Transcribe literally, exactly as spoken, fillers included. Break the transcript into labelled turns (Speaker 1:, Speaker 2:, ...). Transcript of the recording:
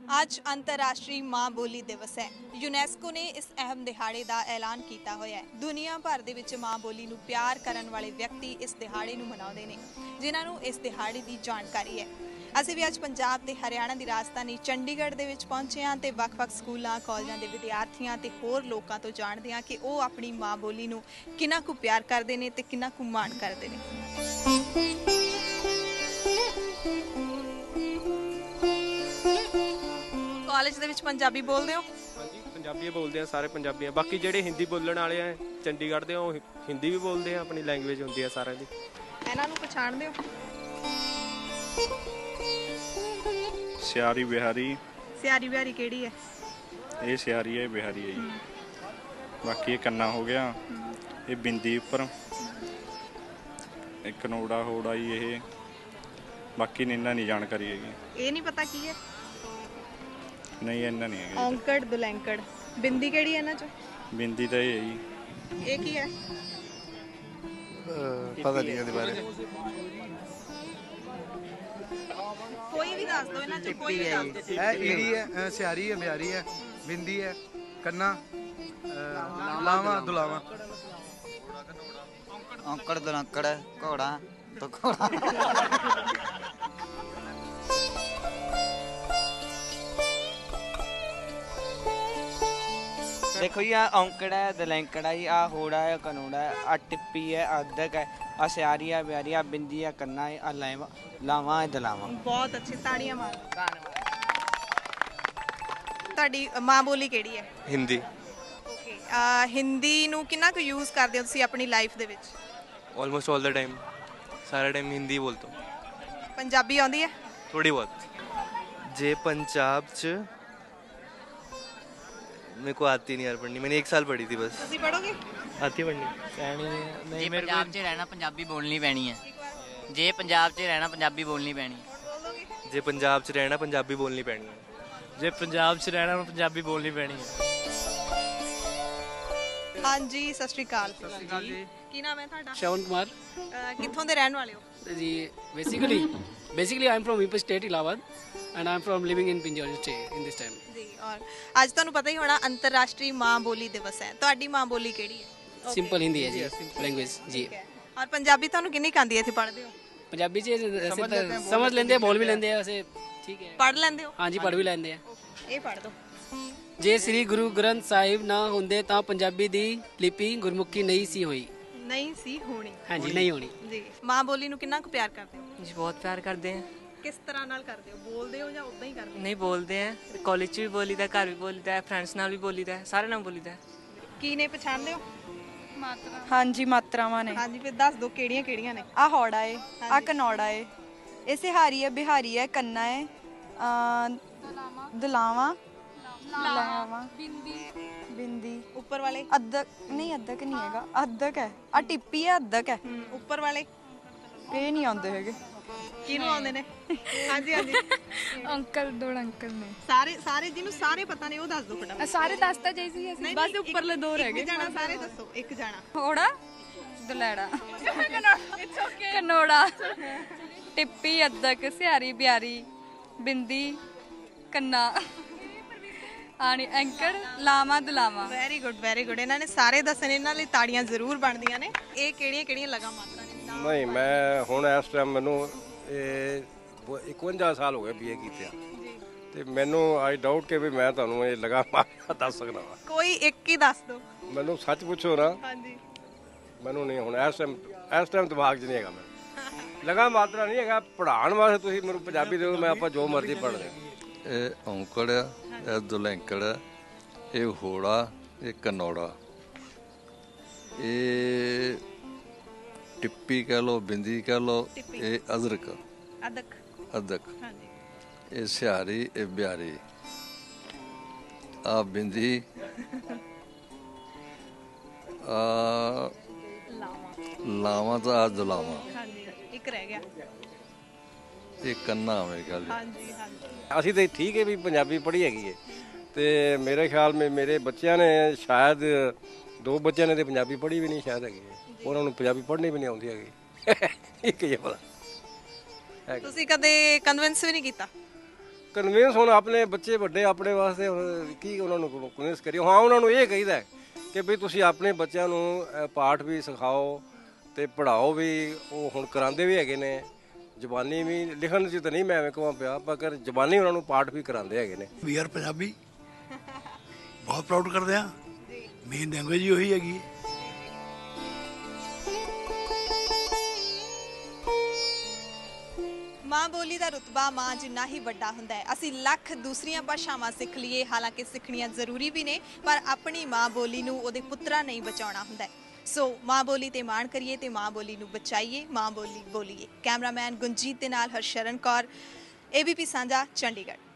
Speaker 1: ਅੱਜ ਅੰਤਰਰਾਸ਼ਟਰੀ ਮਾਂ ਬੋਲੀ ਦਿਵਸ ਹੈ। ਯੂਨੈਸਕੋ ਨੇ ਇਸ ਅਹਿਮ ਦਿਹਾੜੇ ਦਾ ਐਲਾਨ ਕੀਤਾ ਹੋਇਆ ਹੈ। ਦੁਨੀਆ ਭਰ ਦੇ ਵਿੱਚ ਮਾਂ ਬੋਲੀ ਨੂੰ ਪਿਆਰ ਕਰਨ ਵਾਲੇ ਵਿਅਕਤੀ ਇਸ ਦਿਹਾੜੇ ਨੂੰ ਮਨਾਉਂਦੇ ਨੇ, ਜਿਨ੍ਹਾਂ ਨੂੰ ਇਸ ਦਿਹਾੜੇ ਦੀ ਜਾਣਕਾਰੀ ਹੈ। ਅਸੀਂ ਵੀ ਅੱਜ ਪੰਜਾਬ ਤੇ ਹਰਿਆਣਾ ਦੀ ਰਾਜਧਾਨੀ ਚੰਡੀਗੜ੍ਹ ਦੇ ਵਿੱਚ ਪਹੁੰਚੇ ਹਾਂ ਤੇ ਵੱਖ-ਵੱਖ ਸਕੂਲਾਂ, ਕਾਲਜਾਂ ਦੇ ਵਿਦਿਆਰਥੀਆਂ ਤੇ ਹੋਰ ਲੋਕਾਂ ਤੋਂ ਜਾਣਦੇ ਹਾਂ ਕਿ ਉਹ ਆਪਣੀ ਮਾਂ ਬੋਲੀ ਨੂੰ ਕਿੰਨਾ ਕੁ ਪਿਆਰ ਕਰਦੇ ਨੇ ਤੇ ਕਿੰਨਾ ਕੁ ਮਾਣ ਕਰਦੇ ਨੇ। ਕਾਲਜ ਦੇ ਵਿੱਚ ਪੰਜਾਬੀ ਬੋਲਦੇ ਹੋ?
Speaker 2: ਹਾਂਜੀ, ਪੰਜਾਬੀ ਬੋਲਦੇ ਆ, ਸਾਰੇ ਪੰਜਾਬੀ ਆ। ਬਾਕੀ ਜਿਹੜੇ ਹਿੰਦੀ ਬੋਲਣ ਵਾਲੇ ਆ ਚੰਡੀਗੜ੍ਹ ਦੇ, ਉਹ ਹਿੰਦੀ ਵੀ ਬੋਲਦੇ ਆ, ਆਪਣੀ ਲੈਂਗੁਏਜ ਹੁੰਦੀ ਆ ਸਾਰਿਆਂ ਦੀ।
Speaker 1: ਇਹਨਾਂ ਨੂੰ ਪਛਾਣਦੇ ਹੋ?
Speaker 3: ਸਿਆਰੀ ਬਿਹਾਰੀ।
Speaker 1: ਸਿਆਰੀ ਬਿਹਾਰੀ ਕਿਹੜੀ ਹੈ?
Speaker 3: ਇਹ ਸਿਆਰੀ ਹੈ, ਬਿਹਾਰੀ ਹੈ ਜੀ। ਬਾਕੀ ਇਹ ਕੰਨਾ ਹੋ ਗਿਆ, ਇਹ ਬਿੰਦੀ ਉੱਪਰ, ਇੱਕ ਕਨੋੜਾ ਹੋੜਾ ਜੀ ਇਹ। ਬਾਕੀ ਇਹਨਾਂ ਨਹੀਂ ਜਾਣਕਾਰੀ ਹੈਗੀ।
Speaker 1: ਇਹ ਨਹੀਂ ਪਤਾ ਕੀ ਹੈ?
Speaker 3: ਨਹੀਂ, ਇਹਨਾਂ ਨਹੀਂ ਹੈਗਾ।
Speaker 1: ਔਂਕੜ, ਦੁਲੈਂਕੜ, ਬਿੰਦੀ ਕਿਹੜੀ ਹੈ ਇਹਨਾਂ ਚੋਂ?
Speaker 3: ਬਿੰਦੀ ਤਾਂ ਇਹ ਹੈ ਜੀ।
Speaker 1: ਇਹ ਕੀ ਹੈ?
Speaker 4: ਪਤਾ ਨਹੀਂ ਇਹਦੇ ਬਾਰੇ।
Speaker 1: ਕੋਈ ਵੀ ਦੱਸ ਦਿਓ ਇਹਨਾਂ ਚੋਂ, ਕੋਈ ਵੀ ਦੱਸ ਦਿਓ।
Speaker 4: ਇਹ ਈੜੀ ਹੈ, ਸਿਆਰੀ ਹੈ, ਬਿਹਾਰੀ ਹੈ, ਬਿੰਦੀ ਹੈ, ਕੰਨਾ, ਲਾਵਾ, ਦੁਲਾਵਾ।
Speaker 5: ਔਂਕੜ, ਦੁਲੰਕੜ, ਘੋੜਾ ਤੋਂ ਘੋੜਾ। देखो जी, आ औंकड़ है, दलैंकड़ है, आ होड़ा है, कनोड़ा है, आ टिप्पी है, अदक है, आ सियारी है, बिहारी, आ बिंदी है, कन्ना है, आ लावा लावा है, दलावा।
Speaker 1: ਬਹੁਤ ਅੱਛੇ, ਤਾੜੀਆਂ ਮਾਰੋ। ਤੁਹਾਡੀ ਮਾਂ ਬੋਲੀ ਕਿਹੜੀ ਹੈ?
Speaker 6: ਹਿੰਦੀ।
Speaker 1: ਓਕੇ, ਹਿੰਦੀ ਨੂੰ ਕਿੰਨਾ ਕੁ ਯੂਜ਼ ਕਰਦੇ ਹੋ ਤੁਸੀਂ ਆਪਣੀ ਲਾਈਫ ਦੇ ਵਿੱਚ?
Speaker 6: ऑलमोस्ट ऑल द टाइम, सारा टाइम हिंदी बोलता हूँ।
Speaker 1: ਪੰਜਾਬੀ ਆਉਂਦੀ ਹੈ?
Speaker 6: थोड़ी बहुत। जे पंजाब च मेरे को आती नहीं यार पढ़नी, मैंने एक साल पढ़ी थी बस।
Speaker 1: ਤੁਸੀਂ ਪੜੋਗੇ?
Speaker 6: आती पढ़नी
Speaker 7: ਜੇ ਪੰਜਾਬ 'ਚ ਰਹਿਣਾ ਪੰਜਾਬੀ ਬੋਲਣੀ ਪੈਣੀ ਹੈ। ਜੇ ਪੰਜਾਬ 'ਚ ਰਹਿਣਾ ਪੰਜਾਬੀ ਬੋਲਣੀ ਪੈਣੀ ਹੈ।
Speaker 6: जे पंजाब च रहना पंजाबी बोलनी पैनी है।
Speaker 2: ਜੇ ਪੰਜਾਬ 'ਚ ਰਹਿਣਾ ਪੰਜਾਬੀ ਬੋਲਣੀ ਪੈਣੀ ਹੈ।
Speaker 1: ਹਾਂਜੀ, ਸਤਿ ਸ਼੍ਰੀ ਅਕਾਲ ਜੀ। ਕੀ ਨਾਮ ਹੈ ਤੁਹਾਡਾ?
Speaker 8: श्रवण कुमार
Speaker 1: ਅਹ, ਕਿੱਥੋਂ ਦੇ ਰਹਿਣ ਵਾਲੇ ਹੋ?
Speaker 8: जी। Basically basically I am from ईपर state Allahabad and I am from living in Pinjore state in this time.
Speaker 1: ਜੀ, ਔਰ ਅੱਜ ਤੁਹਾਨੂੰ ਪਤਾ ਹੀ ਹੋਣਾ ਅੰਤਰਰਾਸ਼ਟਰੀ ਮਾਂ ਬੋਲੀ ਦਿਵਸ ਹੈ। ਤੁਹਾਡੀ ਮਾਂ ਬੋਲੀ ਕਿਹੜੀ ਹੈ?
Speaker 8: सिंपल हिंदी है जी, लैंग्वेज जी।
Speaker 1: ਔਰ ਪੰਜਾਬੀ ਤੁਹਾਨੂੰ ਕਿੰਨੀ ਕੁ ਆਉਂਦੀ ਹੈ? ਇੱਥੇ ਪੜ੍ਹਦੇ ਹੋ?
Speaker 8: पंजाबी च ऐसे तो समझ लेंदे हैं, बोल भी लेंदे हैं, वैसे ठीक है।
Speaker 1: ਪੜ੍ਹ ਲੈਂਦੇ ਹੋ?
Speaker 8: हाँ जी, पढ़ भी लेंदे हैं।
Speaker 1: ਇਹ ਪੜ੍ਹ ਦੋ।
Speaker 8: जे श्री गुरु ग्रंथ साहिब ना होंदे तां पंजाबी दी लिपि गुरमुखी नहीं सी होई।
Speaker 1: ਨਹੀਂ ਸੀ ਹੋਣੀ।
Speaker 8: हाँ जी, नहीं होनी
Speaker 1: ਜੀ। ਮਾਂ ਬੋਲੀ ਨੂੰ ਕਿੰਨਾ ਕੁ ਪਿਆਰ ਕਰਦੇ ਹੋ?
Speaker 9: जी बहुत प्यार करते हैं।
Speaker 1: ਕਿਸ ਤਰ੍ਹਾਂ ਨਾਲ ਕਰਦੇ ਹੋ? ਬੋਲਦੇ ਹੋ ਜਾਂ ਉਦਾਂ ਹੀ ਕਰਦੇ ਹੋ?
Speaker 9: नहीं बोलते हैं, कॉलेज च भी बोली दा, घर भी बोली दा, फ्रेंड्स नाल भी बोली दा, सारे नाल बोली दा।
Speaker 1: ਕੀ ਨੇ, ਪਛਾਣਦੇ ਹੋ?
Speaker 10: ਹਾਂਜੀ, ਮਾਤਰਾਵਾਂ ਨੇ।
Speaker 1: ਹਾਂਜੀ, ਫਿਰ ਦੱਸ ਦਿਓ ਕਿਹੜੀਆਂ ਕਿਹੜੀਆਂ ਨੇ।
Speaker 10: ਆ ਹੌੜਾ ਏ, ਆ ਕਨੌੜਾ ਏ, ਇਹ ਸਿਹਾਰੀ ਹੈ, ਬਿਹਾਰੀ ਹੈ, ਕੰਨਾ ਹੈ, ਦਲਾਵਾ, ਲਾਵਾ, ਬਿੰਦੀ।
Speaker 1: ਉੱਪਰ ਵਾਲੇ?
Speaker 10: ਅੱਧਕ ਨਹੀਂ, ਅੱਧਕ ਨਹੀਂ ਹੈਗਾ, ਅੱਧਕ ਹੈ। ਆ ਟਿੱਪੀ ਹੈ, ਅੱਧਕ ਹੈ।
Speaker 1: ਉੱਪਰ ਵਾਲੇ
Speaker 10: ਇਹ ਨਹੀਂ ਆਉਂਦੇ ਹੈਗੇ।
Speaker 1: ਕਿਹਨੂੰ ਆਉਂਦੇ ਨੇ? ਹਾਂਜੀ ਹਾਂਜੀ।
Speaker 11: ਅੰਕਲ ਦੋ ਅੰਕਲ ਨੇ।
Speaker 1: ਸਾਰੇ ਸਾਰੇ ਜਿਹਨੂੰ ਸਾਰੇ ਪਤਾ ਨੇ ਉਹ ਦੱਸ ਦਿਓ ਫਟਾਫਟ।
Speaker 11: ਸਾਰੇ ਦੱਸਤਾ ਜਾਈ ਸੀ ਅਸੀਂ, ਬਸ ਉੱਪਰਲੇ ਦੋ ਰਹਿ ਗਏ।
Speaker 1: ਇੱਕ ਜਾਣਾ ਸਾਰੇ ਦੱਸੋ, ਇੱਕ ਜਾਣਾ।
Speaker 11: ਹੋੜਾ, ਦੁਲੈੜਾ, ਕਨੋੜਾ, ਟਿੱਪੀ, ਅੱਧਕ, ਸਿਹਾਰੀ, ਬਿਹਾਰੀ, ਬਿੰਦੀ, ਕੰਨਾ, ਆਣੀ, ਐਂਕੜ, ਲਾਵਾ, ਦੁਲਾਵਾ।
Speaker 1: Very good, very good. ਇਹਨਾਂ ਨੇ ਸਾਰੇ ਦੱਸਣੇ, ਇਹਨਾਂ ਲਈ ਤਾੜੀਆਂ ਜ਼ਰੂਰ ਬਣਦੀਆਂ ਨੇ। ਇਹ ਕਿਹੜੀਆਂ ਕਿਹੜੀਆਂ ਲਗਾ ਮਾਤਰਾ ਨੇ?
Speaker 12: ਨਹੀਂ, ਮੈਂ ਹੁਣ ਇਸ ਟਾਈਮ ਮੈਨੂੰ ਇਹ ਇਕਵੰਜਾ ਸਾਲ ਹੋ ਗਏ ਬੀਏ ਕੀਤਿਆਂ, ਤੇ ਮੈਨੂੰ ਆਈ ਡਾਊਟ ਕਿ ਵੀ ਮੈਂ ਤੁਹਾਨੂੰ ਇਹ ਲਗਾ ਮਾਤਰਾ ਦੱਸ ਸਕਦਾ ਵਾ।
Speaker 1: ਕੋਈ ਇੱਕ ਹੀ ਦੱਸ ਦਿਓ।
Speaker 12: ਮੈਨੂੰ ਸੱਚ ਪੁੱਛੋ ਨਾ।
Speaker 1: ਹਾਂਜੀ।
Speaker 12: ਮੈਨੂੰ ਨਹੀਂ ਹੁਣ ਇਸ ਟਾਈਮ ਇਸ ਟਾਈਮ ਦਿਮਾਗ 'ਚ ਨਹੀਂ ਹੈਗਾ। ਮੈਂ ਲਗਾ ਮਾਤਰਾ ਨਹੀਂ ਹੈਗਾ। ਪੜ੍ਹਾਉਣ ਵਾਸਤੇ ਤੁਸੀਂ ਮੈਨੂੰ ਪੰਜਾਬੀ ਦਿਓ, ਮੈਂ ਆਪਾਂ ਜੋ ਮਰਜ਼ੀ ਪੜ੍ਹ ਲੇ।
Speaker 13: ਇਹ ਔਂਕੜ ਆ, ਇਹ ਦੁਲੈਂਕੜ ਆ, ਇਹ ਹੋੜਾ, ਇਹ ਕਨੌੜਾ, ਇਹ ਟਿੱਪੀ ਕਹਿ ਲਓ, ਬਿੰਦੀ ਕਹਿ ਲਓ, ਇਹ ਅਦਰਕ,
Speaker 1: ਅਦਕ,
Speaker 13: ਅਦਕ,
Speaker 1: ਹਾਂਜੀ,
Speaker 13: ਇਹ ਸਿਹਾਰੀ, ਇਹ ਬਿਹਾਰੀ, ਆ ਬਿੰਦੀ, ਆ ਲਾਵਾ ਤਾਂ ਆ ਦੁਲਾਵਾ।
Speaker 1: ਹਾਂਜੀ, ਇੱਕ ਰਹਿ ਗਿਆ।
Speaker 13: ਇਹ ਕੰਨਾ ਮੇਰੇ ਖਿਆਲ।
Speaker 1: ਹਾਂਜੀ ਹਾਂਜੀ।
Speaker 12: ਅਸੀਂ ਤਾਂ ਠੀਕ ਹੈ ਵੀ ਪੰਜਾਬੀ ਪੜ੍ਹੀ ਹੈਗੀ ਹੈ, ਤੇ ਮੇਰੇ ਖਿਆਲ ਮੇ ਮੇਰੇ ਬੱਚਿਆਂ ਨੇ ਸ਼ਾਇਦ ਦੋ ਬੱਚਿਆਂ ਨੇ ਤੇ ਪੰਜਾਬੀ ਪੜ੍ਹੀ ਵੀ ਨਹੀਂ ਸ਼ਾਇਦ ਹੈਗੀ ਹੈ। ਉਹਨਾਂ ਨੂੰ ਪੰਜਾਬੀ ਪੜ੍ਹਨੀ ਵੀ ਨਹੀਂ ਆਉਂਦੀ ਹੈਗੀ। ਇੱਕ ਹੀ ਪਤਾ।
Speaker 1: ਤੁਸੀਂ ਕਦੇ ਕਨਵਿੰਸ ਵੀ ਨਹੀਂ ਕੀਤਾ?
Speaker 12: ਕਨਵਿੰਸ ਹੁਣ ਆਪਣੇ ਬੱਚੇ ਵੱਡੇ ਆਪਣੇ ਵਾਸਤੇ ਹੁਣ ਕੀ ਉਹਨਾਂ ਨੂੰ ਕਨਵਿੰਸ ਕਰੀਏ। ਹਾਂ ਉਹਨਾਂ ਨੂੰ ਇਹ ਕਹੀਦਾ ਕਿ ਵੀ ਤੁਸੀਂ ਆਪਣੇ ਬੱਚਿਆਂ ਨੂੰ ਅ, ਪਾਠ ਵੀ ਸਿਖਾਓ ਤੇ ਪੜ੍ਹਾਓ ਵੀ। ਉਹ ਹੁਣ ਕਰਾਉਂਦੇ ਵੀ ਹੈਗੇ ਨੇ, ਜ਼ਬਾਨੀ ਵੀ। ਲਿਖਣ 'ਚ ਤਾਂ ਨਹੀਂ ਮੈਂ ਐਵੇਂ ਕਹਾਂ ਪਿਆ, ਪਰ ਜ਼ਬਾਨੀ ਉਹਨਾਂ ਨੂੰ ਪਾਠ ਵੀ ਕਰਾਉਂਦੇ ਹੈਗੇ ਨੇ।
Speaker 14: ਵੀ ਆਰ ਪੰਜਾਬੀ ਬਹੁਤ ਪ੍ਰਾਊਡ ਕਰਦੇ ਆ, ਮੇਨ ਲੈਂਗੁਏਜ ਹੀ ਉਹੀ ਹੈਗੀ।
Speaker 1: ਮਾਂ ਬੋਲੀ ਦਾ ਰੁਤਬਾ ਮਾਂ ਜਿੰਨਾ ਹੀ ਵੱਡਾ ਹੁੰਦਾ ਹੈ। ਅਸੀਂ ਲੱਖ ਦੂਸਰੀਆਂ ਭਾਸ਼ਾਵਾਂ ਸਿੱਖ ਲਈਏ, ਹਾਲਾਂਕਿ ਸਿੱਖਣੀਆਂ ਜ਼ਰੂਰੀ ਵੀ ਨੇ, ਪਰ ਆਪਣੀ ਮਾਂ ਬੋਲੀ ਨੂੰ ਉਹਦੇ ਪੁੱਤਰਾਂ ਨਹੀਂ ਬਚਾਉਣਾ ਹੁੰਦਾ। ਸੋ ਮਾਂ ਬੋਲੀ ਤੇ ਮਾਣ ਕਰੀਏ ਤੇ ਮਾਂ ਬੋਲੀ ਨੂੰ ਬਚਾਈਏ, ਮਾਂ ਬੋਲੀ ਬੋਲੀਏ। ਕੈਮਰਾਮੈਨ ਗੁੰਜੀਤ ਦੇ ਨਾਲ ਹਰਸ਼ਰਨ ਕੌਰ, ਏਬੀਪੀ ਸਾਂਝਾ, ਚੰਡੀਗੜ੍ਹ।